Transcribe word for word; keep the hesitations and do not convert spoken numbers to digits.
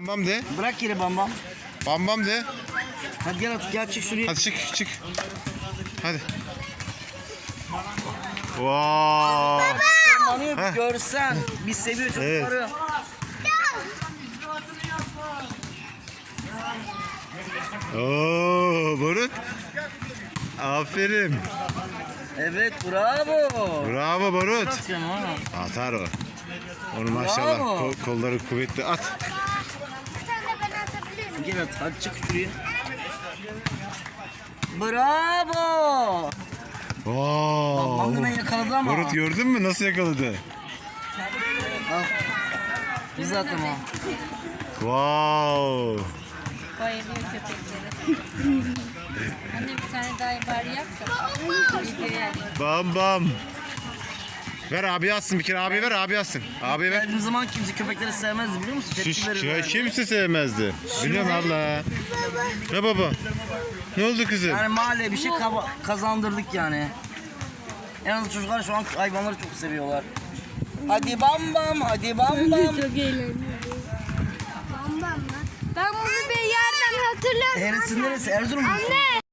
Bam de. Bırak yeri bam bam. Bam bam de. Hadi gel at, gel çık şuraya. Hadi çık çık. Hadi. Wow. Onu Heh. görsen. Biz seviyor çocukları. Oo, Barut. Aferin. Evet, bravo. Bravo Barut. Atıyorum ha. Atar o. Onu maşallah Bravo. kol- kolları kuvvetli at. Bir tane de ben atabilir miyim? Gel at, hadi çık şuraya. Bravo. Bam da ben Wow. yakaladı ama. Barut gördün mü nasıl yakaladı? Al. Biz at ama. Wow. Bayılıyor köpeklere. Anne bir tane daha bari yap da. Videoya Bam bam. Ver abi atsın bir kere abi ver abi atsın. Abi ver. Geldiğim zaman kimse köpekleri sevmezdi biliyor musun? Şu, Tepki şu, verirlerdi. kimse sevmezdi. Biliyorum abla. Ne baba? Ne oldu kızım? Yani mahalleye bir şey kaba- kazandırdık yani. En azından çocuklar şu an hayvanları çok seviyorlar. Hadi bam bam, hadi bam bam. Çok eğlenceli. Bam bam lan. Ben bunu bir yerden hatırlıyorum. Neresi neresi? Erzurum mu? Anne.